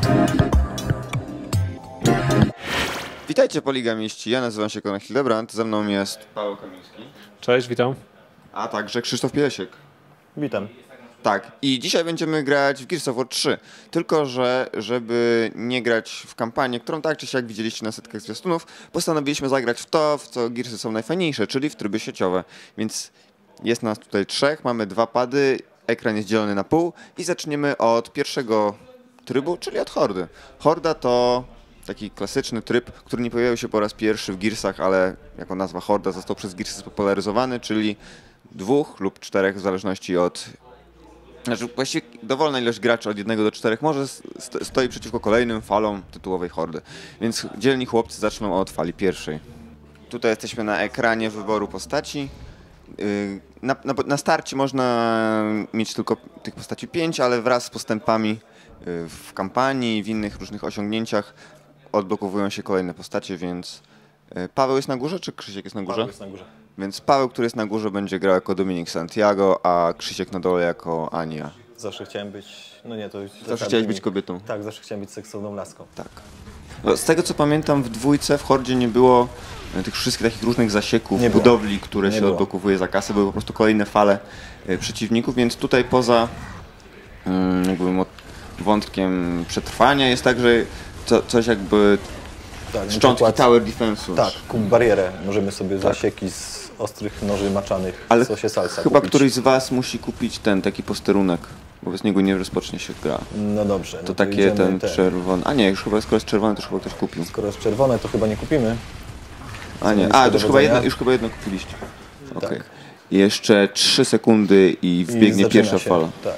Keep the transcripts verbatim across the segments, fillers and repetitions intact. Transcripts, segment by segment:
Witajcie poligamiści, ja nazywam się Konrad Hildebrand, ze mną jest Paweł Kamiński. Cześć, witam. A także Krzysztof Piesiek. Witam. Tak, i dzisiaj będziemy grać w Gears of War trzy, tylko że żeby nie grać w kampanię, którą tak czy siak widzieliście na setkach zwiastunów, postanowiliśmy zagrać w to, w co Gearsy są najfajniejsze, czyli w tryby sieciowe. Więc jest nas tutaj trzech, mamy dwa pady, ekran jest dzielony na pół i zaczniemy od pierwszego trybu, czyli od Hordy. Horda to taki klasyczny tryb, który nie pojawił się po raz pierwszy w Gearsach, ale jako nazwa Horda został przez Gearsy spopularyzowany, czyli dwóch lub czterech w zależności od... Znaczy właściwie dowolna ilość graczy od jednego do czterech może stoi przeciwko kolejnym falom tytułowej Hordy. Więc dzielni chłopcy zaczną od fali pierwszej. Tutaj jesteśmy na ekranie wyboru postaci. Na, na, na starcie można mieć tylko tych postaci pięć, ale wraz z postępami w kampanii i w innych różnych osiągnięciach odblokowują się kolejne postacie, więc Paweł jest na górze, czy Krzysiek jest na górze? Paweł jest na górze. Więc Paweł, który jest na górze, będzie grał jako Dominik Santiago, a Krzysiek na dole jako Ania. Zawsze chciałem być... No nie, to... Zawsze chciałeś być kobietą. Tak, zawsze chciałem być seksowną laską. Tak. No, z tego co pamiętam, w dwójce, w Hordzie nie było tych wszystkich takich różnych zasieków, nie budowli, które nie się było. odblokowuje za kasę. Były po prostu kolejne fale y, przeciwników, więc tutaj poza y, jakby wątkiem przetrwania jest tak, że co, coś jakby Tak, szczątki przykład, Tower Defense'u. Tak, kup barierę. Możemy sobie zasieki z ostrych noży maczanych Ale w sosie salsa chyba kupić. któryś z was musi kupić ten taki posterunek, bo bez niego nie rozpocznie się gra. No dobrze. To no to takie ten te. czerwony. A nie, już chyba skoro jest czerwony, to już chyba ktoś kupił. Skoro jest czerwone, to chyba nie kupimy. A nie, a to już chyba, jedno, już chyba jedno kupiliście. Okay. Tak. Jeszcze trzy sekundy i wbiegnie I pierwsza się. fala. Tak.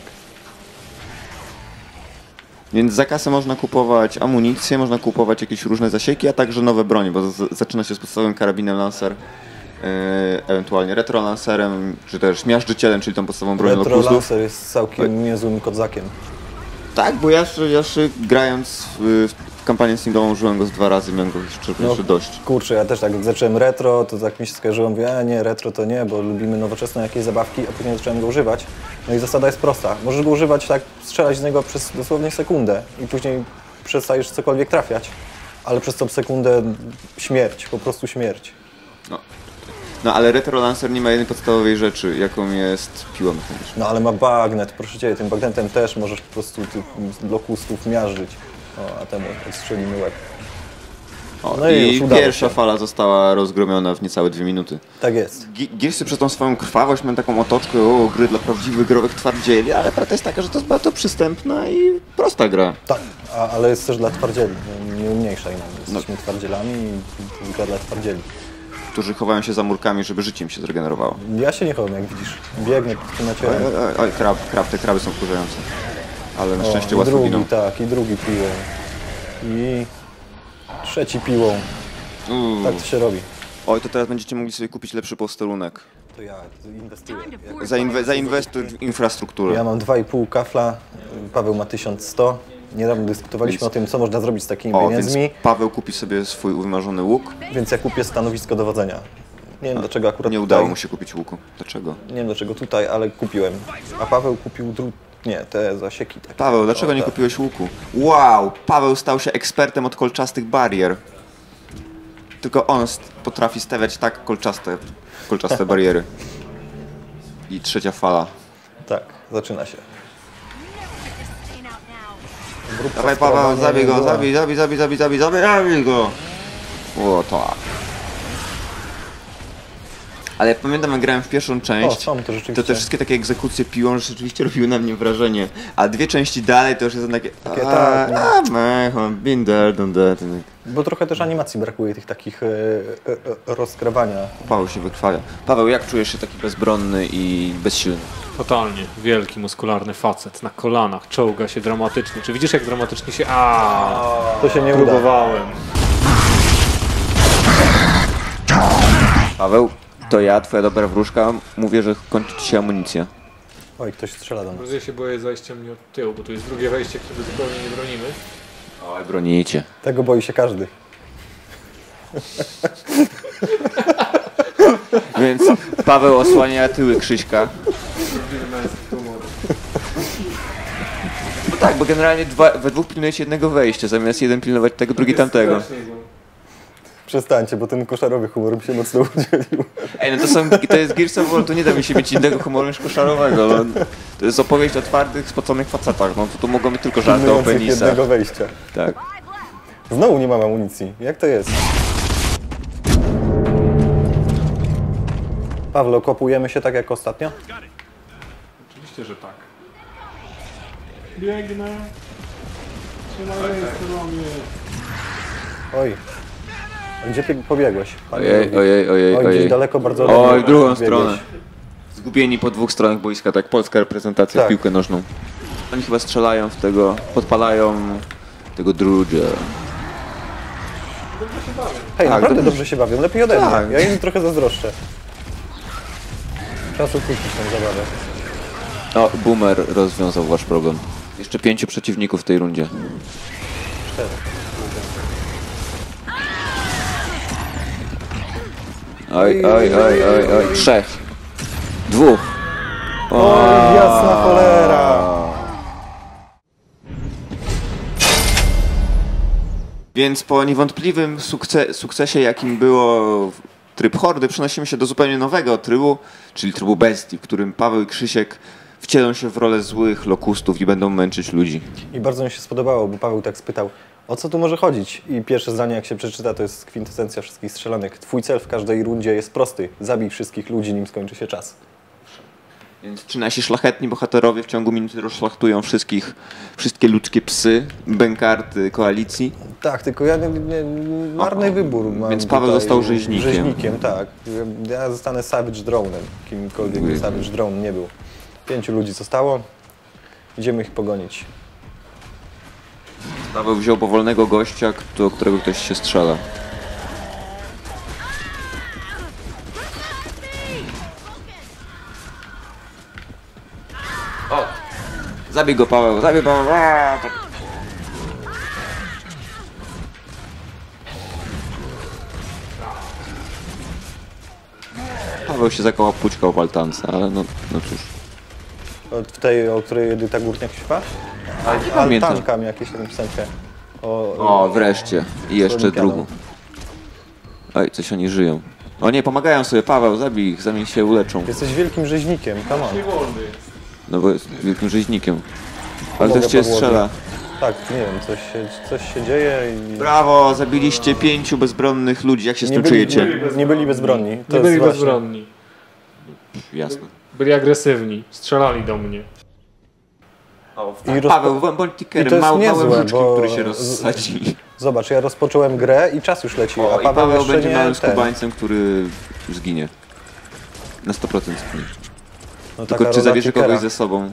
Więc za kasę można kupować amunicję, można kupować jakieś różne zasieki, a także nowe bronie, bo z zaczyna się z podstawowym karabinem Lancer, yy, ewentualnie retro Lancerem, czy też miażdżycielem, czyli tą podstawową bronią do Retro puzzlów. Lancer jest całkiem niezłym kodzakiem. Tak, bo ja, ja grając w, w kampanię singową użyłem go z dwa razy, miałem go jeszcze, No, jeszcze dość. Kurczę, ja też tak jak zacząłem retro, to tak mi się skojarzyło, mówię, a nie, retro to nie, bo lubimy nowoczesne jakieś zabawki, a później zacząłem go używać. No i zasada jest prosta. Możesz go używać tak, strzelać z niego przez dosłownie sekundę i później przestajesz cokolwiek trafiać, ale przez tą sekundę śmierć, po prostu śmierć. No. No ale Retro Lancer nie ma jednej podstawowej rzeczy, jaką jest piła mechaniczna. No ale ma bagnet, proszę Cię, tym bagnetem też możesz po prostu tych lokusów miażdżyć. O, a temu odstrzelimy łeb. O, No i i już udało pierwsza się. fala została rozgromiona w niecałe dwie minuty. Tak jest. Gearsy przez tą swoją krwawość mają taką otoczkę, o, gry dla prawdziwych growych twardzieli, ale prawda jest taka, że to jest bardzo przystępna i prosta gra. Tak, a, ale jest też dla twardzieli, nie, nie umniejszaj nam. Jesteśmy no. twardzielami i to jest gra dla twardzieli. Którzy chowają się za murkami, żeby życie im się zregenerowało. Ja się nie chowam, jak widzisz. Biegnę tu na ciebie. Oj, oj, oj krab, krab, te kraby są wkurzające. Ale na szczęście O, i łatwo drugi, giną. tak, i drugi piłą. I trzeci piłą. Uuu. Tak to się robi. Oj, to teraz będziecie mogli sobie kupić lepszy posterunek. To ja inwestuję. Zainwe zainwestuj w infrastrukturę. Ja mam dwa i pół kafla, Paweł ma tysiąc sto. Niedawno dyskutowaliśmy Więc... o tym, co można zrobić z takimi o, pieniędzmi. Więc Paweł kupi sobie swój wymarzony łuk. Więc ja kupię stanowisko dowodzenia. Nie wiem, dlaczego akurat Nie tutaj. udało mu się kupić łuku. Dlaczego? Nie wiem, dlaczego tutaj, ale kupiłem. A Paweł kupił dru... Nie, te zasieki takie. Paweł, dlaczego o, nie tak. kupiłeś łuku? Wow! Paweł stał się ekspertem od kolczastych barier. Tylko on potrafi stawiać tak kolczaste, kolczaste bariery. I trzecia fala. Tak, zaczyna się. Grupka Dawaj Paweł, zabij go, była. zabij, zabij, zabij, zabij, zabij, zabij, zabij go! O, tak. Ale pamiętam, jak grałem w pierwszą część, O, są, to rzeczywiście. to te wszystkie takie egzekucje piłą rzeczywiście robiły na mnie wrażenie. A dwie części dalej to już jest takie... Takie a, tak, no. a, man, been there, done that. Bo trochę też animacji brakuje, tych takich e, e, e, rozkrawania. Paweł się wykrwawia. Paweł, jak czujesz się taki bezbronny i bezsilny? Totalnie. Wielki, muskularny facet na kolanach, czołga się dramatycznie. Czy widzisz, jak dramatycznie się... Aaaa! To się nie uda. Próbowałem. Paweł, to ja, twoja dobra wróżka, mówię, że kończy ci się amunicja. Oj, ktoś strzela do nas. Bardzo się boję zajścia mnie od tyłu, bo tu jest drugie wejście, które zupełnie nie bronimy. Oj, bronicie. Tego boi się każdy. Więc Paweł osłania tyły Krzyśka. Tak, bo generalnie dwa, we dwóch pilnujecie jednego wejścia, zamiast jeden pilnować tego, drugi tamtego. Przestańcie, bo ten koszarowy humor mi się mocno udzielił. Ej, no to są, to jest Gears of War, to nie da mi się mieć innego humoru niż koszarowego. No. To jest opowieść o twardych, spoconych facetach, no to tu mogą być tylko żarty o Pilnujących penisach. jednego wejścia. Tak. Znowu nie mam amunicji. Jak to jest? Pawlo, kopujemy się tak jak ostatnio? Oczywiście, że tak. Biegnę. Trzymaj ręce na mnie. Oj. A gdzie ty pobiegłeś? Panie Ojej, drogi? ojej, ojej, Oj, gdzieś ojej. daleko, bardzo Oj, daleko w drugą biegłeś. stronę. Zgubieni po dwóch stronach boiska, tak, polska reprezentacja Tak. w piłkę nożną. Oni chyba strzelają w tego, podpalają tego drugia. Hej, Tak, naprawdę dobrze. dobrze się bawią. Lepiej ode mnie. Tak. Ja im trochę zazdroszczę. Czas ukrócić tę zabawę. O, Boomer rozwiązał wasz problem. Jeszcze pięciu przeciwników w tej rundzie. Cztery. Oj, oj, oj, oj, oj, trzech. Dwóch. Oj, jasna cholera! Więc po niewątpliwym sukce sukcesie, jakim było tryb Hordy, przenosimy się do zupełnie nowego trybu, czyli trybu Bestii, w którym Paweł i Krzysiek wcielą się w rolę złych lokustów i będą męczyć ludzi. I bardzo mi się spodobało, bo Paweł tak spytał, o co tu może chodzić? I pierwsze zdanie, jak się przeczyta, to jest kwintesencja wszystkich strzelanek. Twój cel w każdej rundzie jest prosty. Zabij wszystkich ludzi, nim skończy się czas. Więc ci nasi szlachetni bohaterowie w ciągu minuty rozszlachtują wszystkich, wszystkie ludzkie psy, bękarty koalicji. Tak, tylko ja nie, nie, marny O, wybór mam. więc Paweł tutaj. został rzeźnikiem. Rzeźnikiem, tak. Ja zostanę Savage Drone'em, kimkolwiek by Savage Drone nie był. Pięciu ludzi zostało. Idziemy ich pogonić. Paweł wziął powolnego gościa, do którego ktoś się strzela. O! Zabij go, Paweł, zabij Paweł! Aaa, to... Paweł się zakołał pućka w altance, ale no, no cóż. Od w tej, o której Edyta Górniak śpiewa? pamiętam. Altanka mi jakieś tam piosenkę. O, O, wreszcie. I jeszcze Olimpiadą. drugą. Oj, coś oni żyją. O nie, pomagają sobie, Paweł, zabij ich, zanim się uleczą. Jesteś wielkim rzeźnikiem, come on. Nie wolny jest. No bo jest wielkim rzeźnikiem. Ale Pomogę ktoś cię Pawłowi. strzela. Tak, nie wiem, coś się, coś się dzieje i... Brawo, zabiliście pięciu bezbronnych ludzi, jak się z tym byli, czujecie? nie, nie byli bezbronni. To Nie jest byli właśnie- bezbronni. Jasne. Byli agresywni. Strzelali do mnie. I rozpo- Paweł, bądź bądź I to tickerem, jest mał, niezłe, małym żuczkiem, bo- który się rozsadzi. Zobacz, ja rozpocząłem grę i czas już leci, O, a i Paweł, Paweł jeszcze będzie nie małym ten. skubańcem, który zginie. Na sto procent zginie. No, Tylko taka czy rola zabierze tickera. kogoś ze sobą?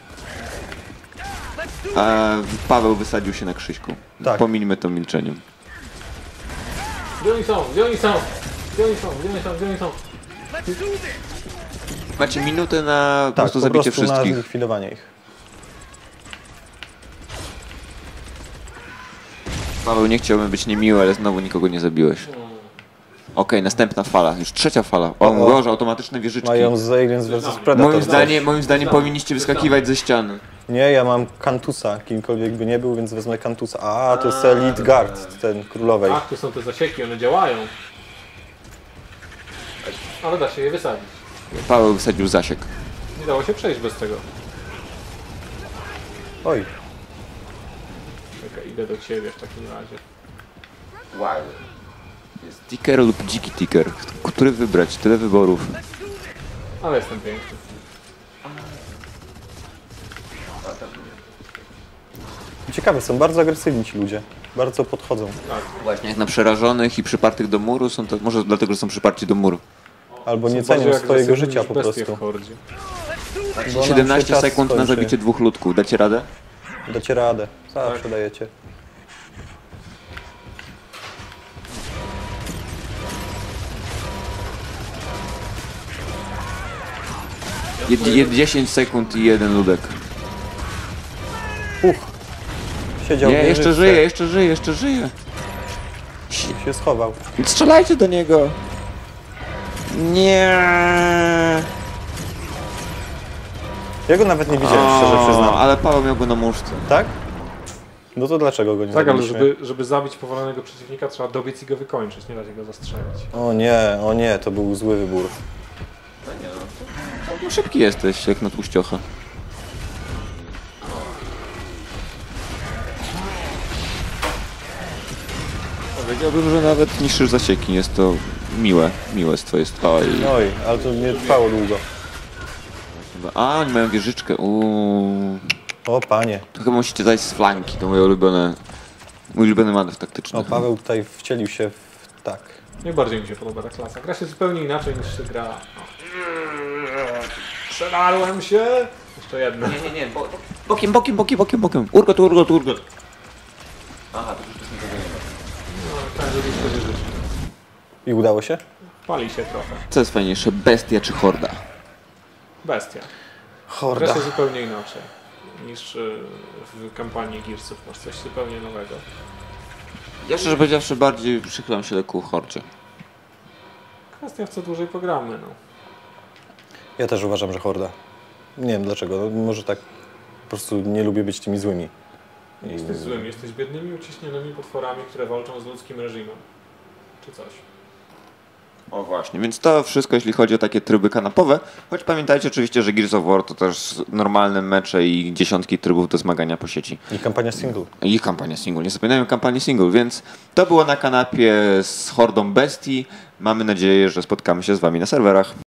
A Paweł wysadził się na Krzyśku. Tak. Pomińmy to milczeniem. Gdzie oni są? Gdzie oni są? Gdzie oni są? Gdzie oni są? Gdzie oni są? Macie minutę na po Tak, prostu po zabicie prostu na wszystkich. zlikwidowanie ich. Paweł, nie chciałbym być niemiły, ale znowu nikogo nie zabiłeś. Okej, następna fala, już trzecia fala. O, O. Boże, automatyczne wieżyczki. Mają z Aliens versus Predator. Moim zdaniem, moim zdaniem powinniście wyskakiwać ze ściany. Nie, ja mam Kantusa, kimkolwiek by nie był, więc wezmę Kantusa. A, to jest Elite Guard, ten królowej. Ach, tu są te zasieki, one działają. Ale da się je wysadzić. Paweł wysadził zasiek. Nie dało się przejść bez tego. Oj, Czekaj, idę do ciebie w takim razie. Wow. Jest ticker lub dziki ticker. Który wybrać? Tyle wyborów. Ale jestem piękny. ciekawe, są bardzo agresywni ci ludzie. Bardzo podchodzą. Właśnie jak na przerażonych i przypartych do muru, są to może dlatego, że są przyparci do muru. Albo nie Są cenią bardziej swojego agresywni życia niż po bestie prostu. w hordzie. Bo nam siedemnaście się czas sekund na skończy. zabicie dwóch ludków. Dacie radę? Dacie radę. Zawsze dajecie. Jed, jed, dziesięć sekund i jeden ludek. Uch. Siedział Nie, w jeszcze wieżyczce. żyje, jeszcze żyje, jeszcze żyje. Się schował. Strzelajcie do niego. Nie. Ja go nawet nie widziałem, szczerze przyznam. ale ale Paweł miał go na muszce. Tak? No to dlaczego go nie Tak, ale zabiliśmy? żeby, żeby zabić powolonego przeciwnika, trzeba dobiec i go wykończyć, nie dać go zastrzelić. O nie, o nie, to był zły wybór. No szybki jesteś, jak na tłuściocha. Powiedziałbym, że nawet niższy zasieki. Jest to miłe, miłe z twojej strony. Oj, ale to nie trwało długo. A, oni mają wieżyczkę. Uuu. O panie. To chyba musicie zajść z flanki, to moje ulubione, mój ulubiony manewr taktyczny. O, Paweł tutaj wcielił się w... tak. Najbardziej mi się podoba ta klasa. Gra się zupełnie inaczej niż się gra. Przelarłem się! Jeszcze jedno. Nie, nie, nie, bo, bokiem, bokiem, bokiem, bokiem, bokiem. Urgot, urgot, urgot. Aha, to już też nie to No, tak, żeby się wyżyć. I udało się? Pali się trochę. Co jest fajniejsze, bestia czy horda? Bestia. Gra Horda. się zupełnie inaczej niż y, w kampanii Gearsów. Masz coś zupełnie nowego. Ja szczerze powiedziawszy bardziej przychylam się ku hordzie. Kwestia w co dłużej pogramy, no. Ja też uważam, że horda. Nie wiem dlaczego, no, może tak po prostu nie lubię być tymi złymi. Nie jesteś złym, jesteś biednymi, uciśnionymi potworami, które walczą z ludzkim reżimem. Czy coś. O właśnie, więc to wszystko jeśli chodzi o takie tryby kanapowe, choć pamiętajcie oczywiście, że Gears of War to też normalne mecze i dziesiątki trybów do zmagania po sieci. I kampania single. I kampania single, nie zapominajmy kampanii single, więc to było na kanapie z hordą bestii. Mamy nadzieję, że spotkamy się z wami na serwerach.